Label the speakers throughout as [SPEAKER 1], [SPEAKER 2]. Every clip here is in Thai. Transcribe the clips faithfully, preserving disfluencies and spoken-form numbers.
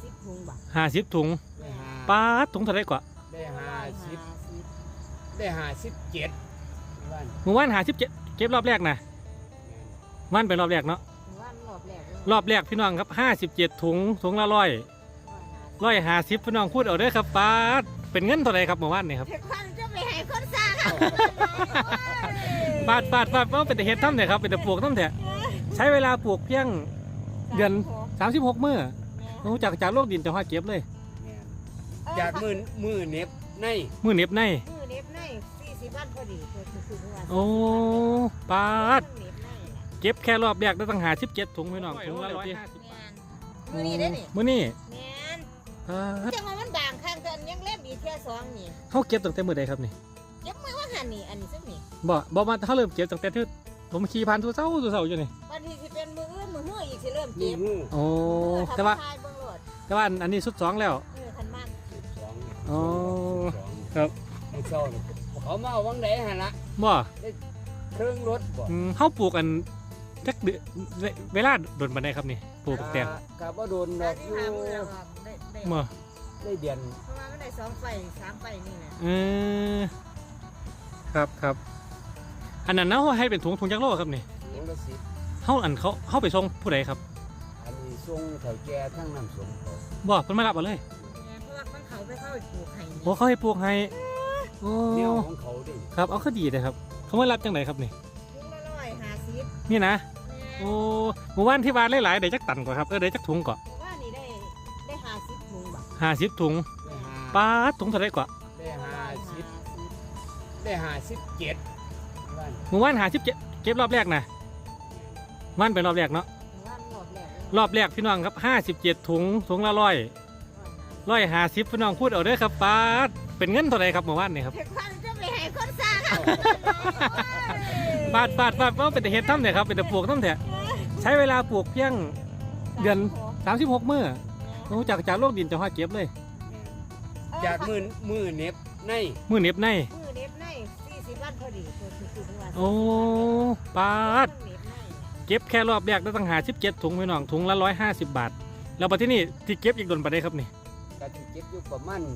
[SPEAKER 1] สิบถุงบ่
[SPEAKER 2] ห้าสิบถุงปลาถุงเท่าไรกว่า
[SPEAKER 3] ได้ห้าสิบได้ห้าสิบเจ็ด
[SPEAKER 2] เมื่อวานห้าสิบเจ็ดเก็บรอบแรกนะวันเป็นรอบแรกเนาะ
[SPEAKER 1] วันรอบแรก
[SPEAKER 2] รอบแรกพี่น้องครับห้าสิบเจ็ดถุงถุงละร้อยร้อยห้าสิบพี่น้องพูดเอาเด้อครับปลาเป็นเงินเท่าไรครับเมื่อวานนี่ครับ
[SPEAKER 1] จะไปให้คนซ่าครับ
[SPEAKER 2] บาทบาทบาทว่าเป็นแต่เห็ดทั้งเนี่ยครับเป็นแต่ปลูกทั้งเนี่ยใช้เวลาปลูกเพียงเดือนสามสิบหกมื้อจากจากโลกดินจะว่าเก็บเลย
[SPEAKER 3] จากมือมือเน็บใน
[SPEAKER 2] มือเน็บใน
[SPEAKER 1] มือเน็บในสี่สิบวันพอดี
[SPEAKER 2] โอ้ปาดเก็บแค่รอบแรกได้ตั้งหาสิบเจ็ดถุงพี่น้องถุงละร้อยห้าสิบ
[SPEAKER 1] มือนี้ได้นี่
[SPEAKER 2] มือนี้
[SPEAKER 1] จังว่ามันด่างข้างกันยังเล็บอีกแค่สองนี่
[SPEAKER 2] เขาเก็บตั้งแต่มือใดครับนี่
[SPEAKER 1] เก็บมือว่าหันนี่อันนี้สักนี่
[SPEAKER 2] บ่บ่มาเขาเริ่มเก็บตั้งแต่ที่ผมขี่ผ่านตัวเศร้าตัวเศร้าอยู่นี่
[SPEAKER 1] วันที่สิเป็นมืออื่นมือเหื่ออีกสิเริ่มเก็บ
[SPEAKER 2] โอ้แต่ว่าแต่ว่าอันนี้สุดสองแล้ว
[SPEAKER 1] คันมาก
[SPEAKER 2] โอ้ครับ
[SPEAKER 3] เขามาเอาวังไหนฮะละ
[SPEAKER 2] บ่
[SPEAKER 3] เครื่องรถบ่
[SPEAKER 2] เขาปลูกอันจักเดือนเวลาโดนบันไดครับนี่ปลูกแตง
[SPEAKER 3] กับว่าโดนดอกอยู่
[SPEAKER 2] บ่
[SPEAKER 3] ได้เดือน
[SPEAKER 1] ประมาณไม่ได้สองไฟสามไฟนี่แหละ
[SPEAKER 2] เออครับครับอันนั้นเขาให้เป็นถุงถุงจักรโลครับนี่
[SPEAKER 3] ถุงละสิบ
[SPEAKER 2] เขาอันเขาเขาไปส่งผู้ใดครับ
[SPEAKER 3] อันนี้ส่งแถวแก่ทั้งน้ำส่งเขา
[SPEAKER 2] บ่เพิ่นมารับเอาเลย
[SPEAKER 1] เพราะว่ามันเขาไปเข้าไปปลูกไห้
[SPEAKER 2] โอ้เขาให้ปลูกไห้โอ้
[SPEAKER 3] เนี่ยของเขาดิ
[SPEAKER 2] ครับเอาก็ดีเลยครับเขามารับจังไหนครับนี่
[SPEAKER 1] ถุงละร้อยห้าสิบ
[SPEAKER 2] นี่นะโอ้หมู่บ้านที่บ้านหลายๆได้จักตันกว่าครับเออได้จักถุงก่อน
[SPEAKER 1] ว่านี่ได้ได้ห้าสิบถุงบ่
[SPEAKER 2] ห้าสิบถุงปลาถุงเท่าไรกว่า
[SPEAKER 3] ได้ห้าสิบได้ห้าสิบเจ็ด
[SPEAKER 2] หมู่บ้านห้าสิบเจ็ดเก็บรอบแรกนะวันเป็นรอบแรกเนาะรอบแรกพี่น้องครับห้าสิบเจ็ดถุงถุงละร้อยร้อยห้าสิบพี่น้องพูดเอาเด้อครับปลาเป็นเงินเท่าไรครับหมู่บ้านนี่ครับ
[SPEAKER 1] จะไปให้คนซ่าครับ
[SPEAKER 2] บาทบาทบาทว่าเป็นแต่เห็ดทั้งเนี่ยครับเป็นแต่ปลูกทั้งเนี่ยใช้เวลาปลูกเพียงเดือนสามสิบหกมื้อจากจากโลกดินจะว่าเก็บเลย
[SPEAKER 3] จากมือมือเน็บใน
[SPEAKER 2] มือเน็บใน
[SPEAKER 1] มือเน็บในสี่สิบวันพอดี
[SPEAKER 2] โอ้ปาดเก็บแค่รอบแรกได้ตั้งหาสิบเจ็ดถุงพี่น้องถุงละร้อยห้าสิบบาทแล้วปัจจุบันนี้ที่เก็บอีกโดนไปได้ครับนี่
[SPEAKER 3] ก็ที่เก็บอยู่ประมาณ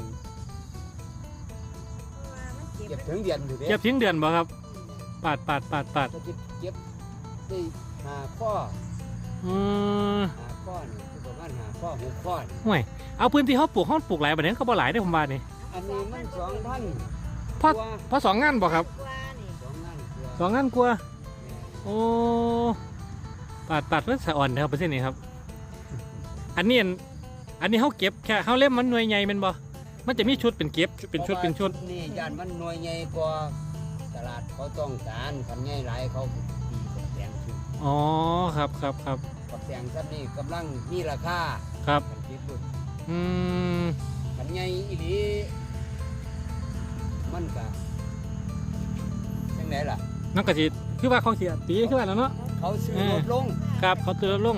[SPEAKER 3] เก็บถึงเดือนอยู่เด้
[SPEAKER 2] เก็บถึงเดือนบ่ครับปาดปาดปาดปาด
[SPEAKER 3] เก็บเก็บได้หาข้อ
[SPEAKER 2] อืม
[SPEAKER 3] หาข้อนี่ประมาณหาข้อหกข้อ
[SPEAKER 2] ห่วยเอาพื้นที่เขาปลูกเขาปลูกหลายแบบนี้เขาบ่หลายได้ผมว่านี่
[SPEAKER 3] อันนี้มันสองพัน
[SPEAKER 2] พอพอสองงานบ่ครับสองงานกลัวโอ้ปาดปาดเพื่อสะอ่อนนะครับเปอร์เซ็นต์นี้ครับอันนี้อันนี้เขาเก็บแค่เขาเล่มมันหน่วยใหญ่เป็นบ่มันจะมีชุดเป็นเก็บเป็นชุดเป็นชุด
[SPEAKER 3] นี่ยานมันหน่วยใหญ่กว่าตลาดเขาต้องการขันใหญ่หลายเขาตีกับแตงชุด
[SPEAKER 2] อ๋อครับครับครับ
[SPEAKER 3] กับแตงซับนี่กำลังมีราคา
[SPEAKER 2] ครับอืม
[SPEAKER 3] ขันใหญ่อีหลีมันกะยังไงล่ะ
[SPEAKER 2] นักกะทิคือว่าเขาเสียตีคือว่าแล้วเนาะ
[SPEAKER 3] เขาซื้อลดลง
[SPEAKER 2] ครับเขาซื้อลดลง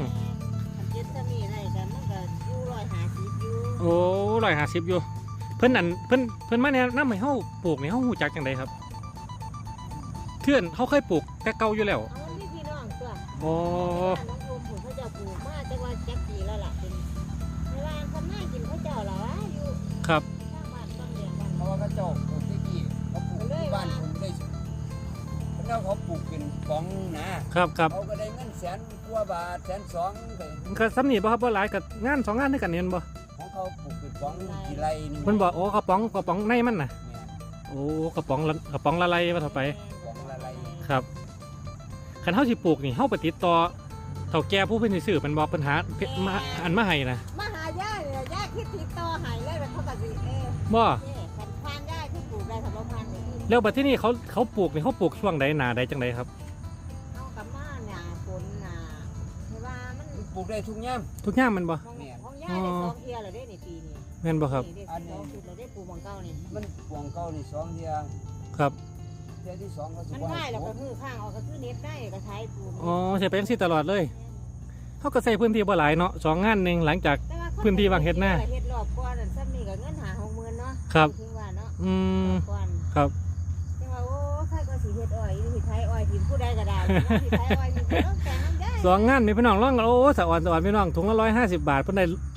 [SPEAKER 2] โอ้ร้อยห้าสิบอยู่เพิ่นนั่นเพิ่นเพิ่นมาแนะนำให้เฮาปลูกนี่เฮาฮู้จักจังไดครับเพื่อนเฮาเคยปลูกแต่เก่าอยู่แล้ว
[SPEAKER 1] อ๋อนี่พี่น้องตัว
[SPEAKER 2] อ๋อ
[SPEAKER 1] น้องโอมปลูกเขาจะปลูกมาจังว่าจักปีแล้วล่ะเป็นเวลาทำหน้ากินเขาเจ้าล่ะวะอยู่
[SPEAKER 2] ครับ
[SPEAKER 3] เพราะว่าเขาเจ้าปลูกที่กี่เขาปลูกที่บ้านผมได้แล้วเขาปลูกเป็นป๋องนะครับ
[SPEAKER 2] ครับ
[SPEAKER 3] เขาก็ได้เงินแสนกว่าบาทแสนสอง
[SPEAKER 2] ก็ซ้ำนี่บ่ครับบ่หลายกับงานสองงานด้วยกันเห็นบ่
[SPEAKER 3] ของเขาปลูกเป็นป๋องกี่ไรนี่
[SPEAKER 2] เพิ่นบอกโอ้กระป๋องกระป๋องในมันน่ะโอ้กระป๋องกระป๋องละลายว่าเท่าไปครับคันเฮาสิปลูกนี่เฮาไปติดต่อเฒ่าแก่ผู้เพิ่นสิซื้อมันบอกปัญหามาอันมาให้นะ
[SPEAKER 1] มาหาย่าเนี่ยย่าคิดติดต่อให้เลยแบบเขาก็สิเออ
[SPEAKER 2] บ่
[SPEAKER 1] คันพานย่าที่ปลูกได้สำหรับพันนี่
[SPEAKER 2] แล้วบัดที่นี่เขาเขาปลูกนี่เขาปลูกช่วงใดหน้าใดจังไดครับ
[SPEAKER 1] เอากับมาหน้าฝนหน้าเพราะว่ามัน
[SPEAKER 3] ปลูกได้ทุกยาม
[SPEAKER 2] ทุกยามมันบ่
[SPEAKER 1] ของย่าได้สองเที่ยแล้วได้ในปีนี้
[SPEAKER 2] แม่นบ่ครับ
[SPEAKER 1] อันนี้เราได้ปลูกมังเก้านี่
[SPEAKER 3] มันปลูกเก้านี่สองเที่ย
[SPEAKER 2] ครับ
[SPEAKER 3] เที่ยที่สองเขา
[SPEAKER 1] มันได้แล้วก็คือข้างออกก็คือเน็ตได้ก็ใช้ปลูก
[SPEAKER 2] อ๋อใช้ไปจังซี่ตลอดเลยเขาก็ใส่พื้นที่บ่หลายเนาะสองงานนึงหลังจากพื้นที่วางเฮ็ดหน้า
[SPEAKER 1] เฮ็ดรอบก่อนซ้ำนี่ก็เงินหา หกหมื่น เนาะ
[SPEAKER 2] ครับ
[SPEAKER 1] ถึงว่าเนาะ
[SPEAKER 2] อืมครับ
[SPEAKER 1] จังว่าโอ้ใครก็สิเฮ็ดอ้อยสิไทยอ้อยทีมผู้ใดก็ได้สิไทยอ้อยนี่ต้องแต่งน้ำได้
[SPEAKER 2] สองงานนี่พี่น้องร้องโอ้สะอ่อนสะอ่อนพี่น้องถุงละร้อยห้าสิบบาทเพิ่นได้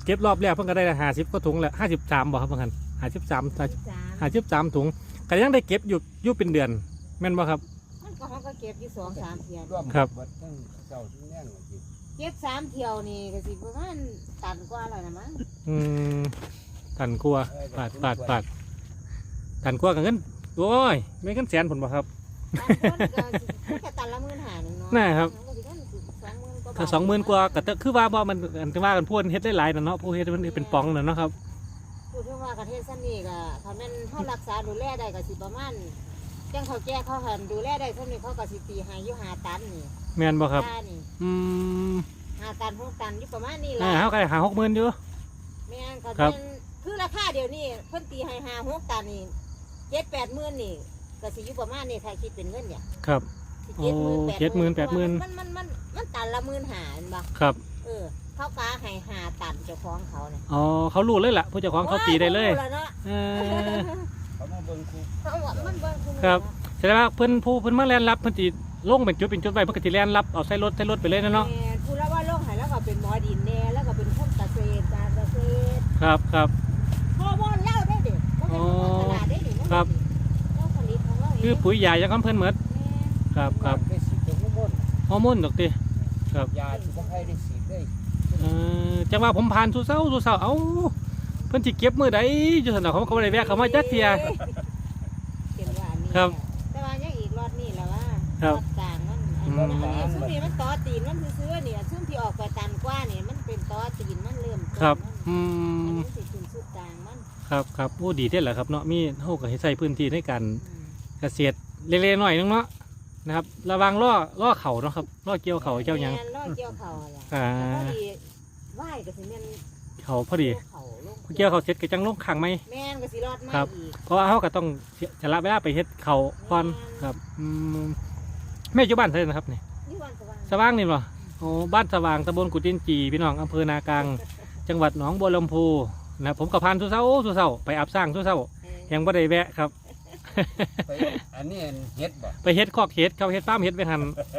[SPEAKER 2] เก็บรอบแรกเพิ่นก็ได้ห้าสิบก็ถุงแหละห้าสิบสามบ่ครับเพิ่นห้าสิบสาม
[SPEAKER 1] สาม
[SPEAKER 2] ห้าสิบสามถุงก็ยังได้เก็บอยู่อยู่เป็นเดือนแม่นบ่ครับ
[SPEAKER 1] มันก็เขาก็เก็บอยู่สองสามเที่ยว
[SPEAKER 3] ร่วม
[SPEAKER 2] ครับ
[SPEAKER 3] เดทั้งเจ้าทั้งแน่งว่าสิ
[SPEAKER 1] เก็บสามเที่ยวนี่ก็สิประมาณตันกว่าแล้วนะมั้ง
[SPEAKER 2] อืมตันกลัวปาดปาดปาดตันกลัวกับเงินโอ้ยไม่เงินแสนผลบ่ครับ
[SPEAKER 1] ตันคนก็สิแค่ตันละหมื่นห้าหนึ่งเนาะ
[SPEAKER 2] น่าครับ
[SPEAKER 1] มันก็สิได้สองหมื่นกว่าบาท
[SPEAKER 2] ถ้าสองหมื่นกว่าก็คือว่าบ่มันอันที่ว่ากันพูดเฮ็ดได้หลายน่ะเนาะผู้เฮ็ดมันเป็นปองน่ะเนาะครับ
[SPEAKER 1] พูดถึงว่าประเทศซันนี่ก็ถ้าแม่นเขารักษาดูแลได้ก็สิประมาณจังเขาแก้เขาหันดูแลได้ซันนี่เขาก็สิตีให้อยู่ห้าตันนี่
[SPEAKER 2] แม่นบ่ครับ
[SPEAKER 1] ค่านี่
[SPEAKER 2] อืม
[SPEAKER 1] ห้าตันหกตันอยู่ประมาณนี้
[SPEAKER 2] อ่า
[SPEAKER 1] ล่ะ
[SPEAKER 2] เฮาก็ได้หาหกหมื่นอยู่
[SPEAKER 1] แม่นก็
[SPEAKER 2] ครับ
[SPEAKER 1] เป็นคือราคาเดี๋ยวนี้เพิ่นตีให้ห้าหกตันนี่เจ็ดแปดหมื่นนี่ก็สิอยู่ประมาณนี้ถ้าคิดเป็นเงินเนี่ย
[SPEAKER 2] ครับ
[SPEAKER 1] สิ
[SPEAKER 2] โอ้เจ็ดหมื่นแปดหมื่น
[SPEAKER 1] มันมันมันมันตันละหมื่นห้าเห็นบ่
[SPEAKER 2] ครับ
[SPEAKER 1] เออเขากาให้ห้าตันเจ้าของเขาเนี่ย
[SPEAKER 2] อ๋อเขารู้เลยล่ะผู้เจ้าของเขาตีได้เลย
[SPEAKER 1] โอ้ขารู้แล้วเนาะ
[SPEAKER 2] เออ
[SPEAKER 3] เขามาเบิ่งคู
[SPEAKER 1] เขาว่ามันเบิ่งอ
[SPEAKER 2] ครับ แสดงว่าเพิ่นผู้เพิ่นมาแล่นรับเพิ่นสิลงเป็นจุดเป็นจุดไว้เพิ่นก็สิแล่นรับเอาใส่รถใส่รถไปเลยนะเนาะ
[SPEAKER 1] แม่ผู้ละว่าโลกหายแล้วก็เป็นหมอดินแน่แล้วก็เป็นคนเกษตรการเกษตร
[SPEAKER 2] ครับครับ
[SPEAKER 1] ฮอร์โมนเล่าได้เด็กก็เป็นฮอร์โมนตลาดได้เด็ก
[SPEAKER 2] ครับ
[SPEAKER 1] เล่าผลิตของเราเอง
[SPEAKER 2] คือปุ๋ยยายังคำเพิ่นเหมือน
[SPEAKER 1] แม่
[SPEAKER 2] ครับครับ
[SPEAKER 3] ได้ฉีดตัวมุ่น
[SPEAKER 2] ฮอร์โมนดอกติ
[SPEAKER 3] ยาที่บ่ให้ได้ฉีดได้
[SPEAKER 2] เออจังว่าผมผ่านสู่เช้าสู่เช้าเอ้าเพิ่นสิเก็บมื้อใดอยู่ซั่นน่ะเขาก็บ่ได้แวะเข้ามาจักเที่ย
[SPEAKER 1] เป็นว่านี่
[SPEAKER 2] ครับ
[SPEAKER 1] แต่ว่ายังอีกรอดนี่แหละว่า
[SPEAKER 2] ครับ
[SPEAKER 1] อดกลางมันอัน
[SPEAKER 2] อื
[SPEAKER 1] นี้
[SPEAKER 2] ม
[SPEAKER 1] อันนี้ซุ้มนี่มันต่อตีนมันซื้อๆเนี่ยซุ้มที่ออกไปตันกว่านี่มันเป็นต่อตีนมันเริ่มต้น
[SPEAKER 2] ครับ
[SPEAKER 1] มัน
[SPEAKER 2] อื
[SPEAKER 1] อัน
[SPEAKER 2] ม
[SPEAKER 1] นี้สิถึงสุดกลางมัน
[SPEAKER 2] ครับครับโอ้ดีเด้อแหละครับเนาะมีเฮาก็ให้ใช้พื้นที่ในการ
[SPEAKER 1] อืม
[SPEAKER 2] เกษตรเล็กๆน้อยๆนึงเนาะนะครับ ระวังล่อล่อเข่าเนาะครับล่อเกี่ยวเข่าเจ้าหยัง
[SPEAKER 1] แม่นรอดเกี่ยวเขาอะไร
[SPEAKER 2] อ่า
[SPEAKER 1] แล้วพอดีไหวก็สิแม่น
[SPEAKER 2] เข่าพอดี
[SPEAKER 1] เขาลง
[SPEAKER 2] เกี่ยวเข่าเสร็จก็จังลงขังไหม
[SPEAKER 1] แม่นก็สิรอดมา
[SPEAKER 2] ครับ
[SPEAKER 1] อีก
[SPEAKER 2] เพราะว่าเขาก็ต้องจะละเวลาไปเฮ็ดเขาก่อนครับอืมแม่อยู่บ้านเท่าไหร่นะครับนี่
[SPEAKER 1] นี่วันสว่าง
[SPEAKER 2] สว่างนี่เหรอโอ้บ้านสว่างตำบลกุดินจีพี่น้องอำเภอนากลางจังหวัดหนองบัวลำพูนะครับผมกับพานสุเศร้าสุเศร้าไปอาบสร้างสุเศร้า
[SPEAKER 1] เออ
[SPEAKER 2] ยังบ่ได้แวะครับ
[SPEAKER 3] ไปอันนี้เฮ็ดบ่
[SPEAKER 2] ไปเฮ็ดคอกเฮ็ดเขาเฮ็ดฟาร์มเฮ็ดไปหัน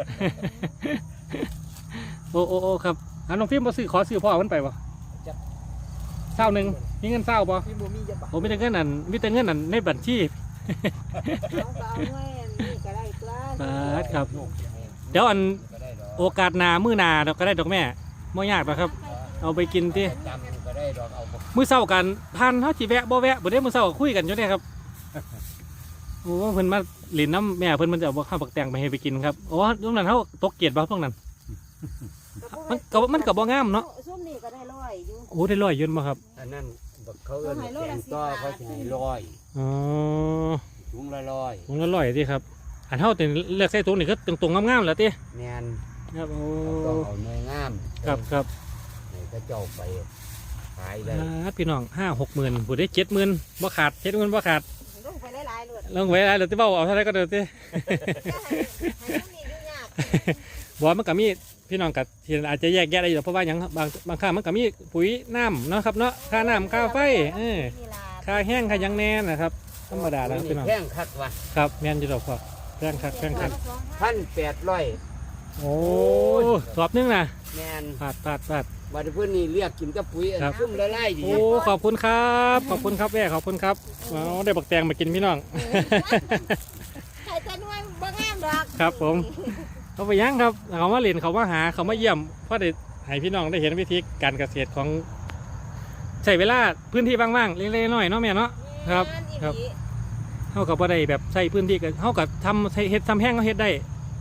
[SPEAKER 2] โอ้โอ้โอ้ครับอันน้องฟิล์มบ่ซื้อขอซื้อพ่อมันไปบ่เศร้าหนึ่งมีเงินเศร้าบ่
[SPEAKER 3] พี่บ่มีจะบ่
[SPEAKER 2] ผมมีแต่เงินนั่นมีแต่เงินนั่นในบัญชี
[SPEAKER 1] เอาก็เอาไว้อันนี่ก็ได้ตัว
[SPEAKER 2] บาทครับ
[SPEAKER 3] ลูกจะให้
[SPEAKER 2] เดี๋ยวอัน
[SPEAKER 3] ก็ได้ดอก
[SPEAKER 2] โอกาสหนามื้อหนาเราก็ได้ดอกแม่ไม่ยากหรอกครับ เอาไปกินที่
[SPEAKER 3] จำก็ได้ดอกเอาบ่
[SPEAKER 2] มื้อเช้ากันพันเฮาสิแวะบ่แวะบ่ได้มื้อเช้าก็คุยกันอยู่เนี่ยครับโอ้เพิ่นมาเล่นน้ำแม่เพิ่นมันจะเอาข้าวปักแตงไปให้ไปกินครับโอ้ตรงนั้นเฮาตกเกียรติบ่ตรงนั้น มันก็มันก็บ่งามเนาะ
[SPEAKER 1] ส้มนี่ก็ได้ร้อยอยู่
[SPEAKER 2] โอ้ได้ร้อยยืนบ่ครับ
[SPEAKER 3] อันนั้นบักเขาเอิ้นแกงต้อเขาสิให้ร้อย
[SPEAKER 2] อ๋อ
[SPEAKER 3] ถุงละร้อย
[SPEAKER 2] ถุงละร้อยติครับอันเฮาแต่เลือกใส่ถุงนี่คือตรงๆงามๆแหล้วติ
[SPEAKER 3] แม่น
[SPEAKER 2] ครับโอ้
[SPEAKER 3] ต้องเอาเนื้องาม
[SPEAKER 2] ครับครับ
[SPEAKER 3] ให้เขาเจ้าไปขายได้
[SPEAKER 2] อ่าพี่น้องห้าหกหมื่นผู้ได้เจ็ดหมื่นบ่ขาดเจ็ดหมื่นบ่ขาด
[SPEAKER 1] ลงไปหลายๆเลย
[SPEAKER 2] ลงไว้แล้วที่เบ้าเอาเท่าไรก็เดินที่
[SPEAKER 1] ให้ส้มนี่ยุ่งยาก
[SPEAKER 2] บอกมันก็มีพี่น้องกับที่อาจจะแยกแยะได้อยู่เพราะว่าอย่างบางบางค่ามันก็มีปุ๋ยน้ำเนาะครับเนาะค่าน้ำค่าไฟเออ
[SPEAKER 1] นี่ล่ะ
[SPEAKER 2] ค่าแห้งค่าหยังแน่นะครับธรรมดาแล้วครับพี่น้อง
[SPEAKER 3] แพงคักว่ะ
[SPEAKER 2] ครับแม่นอยู่ดอกครับแพงคักแพงคัก
[SPEAKER 3] พันแปดร้อย
[SPEAKER 2] โอ้สอบนึงนะ
[SPEAKER 3] แม่น
[SPEAKER 2] ปาดปาดปาด
[SPEAKER 3] บัดเพื่อนนี่เรียกกินกับปุ๋ยอัน
[SPEAKER 2] ครับ
[SPEAKER 3] ซุ่มละลายดี
[SPEAKER 2] โอ้ขอบคุณครับขอบคุณครับแม่ขอบคุณครับเอาได้บักแตงมากินพี่น้อง
[SPEAKER 1] ใครจะนวยบ่งามดอก
[SPEAKER 2] ครับผม เขาไปยังครับเขามาเรียนเขามาหาเขามาเยี่ยมเพราะได้ให้พี่น้องได้เห็นวิธีการเกษตรของใช้เวลาพื้นที่ว่างๆเล็กๆน้อยๆเนาะแม่เนาะ ครับ
[SPEAKER 1] แม่นอีหลี
[SPEAKER 2] ครับ เขากับว่าได้แบบใช้พื้นที่กันเขากับทำใช้เฮ็ดทำแห้งเขาเฮ็ดได้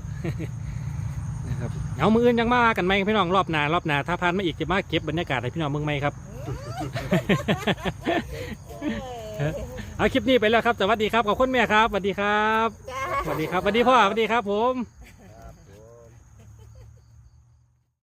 [SPEAKER 2] นะครับเอามืออื่นยังมากันไหมพี่น้องรอบหน้ารอบหน้าถ้าผ่านมาอีกจะมาเก็บบรรยากาศให้พี่น้องเมืองไหมครับ
[SPEAKER 1] เออ
[SPEAKER 2] เอาคลิปนี้ไปแล้วครับสวัสดีครับขอบคุณแม่ครับสวัสดีครับ
[SPEAKER 1] จ้า
[SPEAKER 2] สวัสดีครับสวัสดีพ่อสวัสดีครับผม
[SPEAKER 1] เอ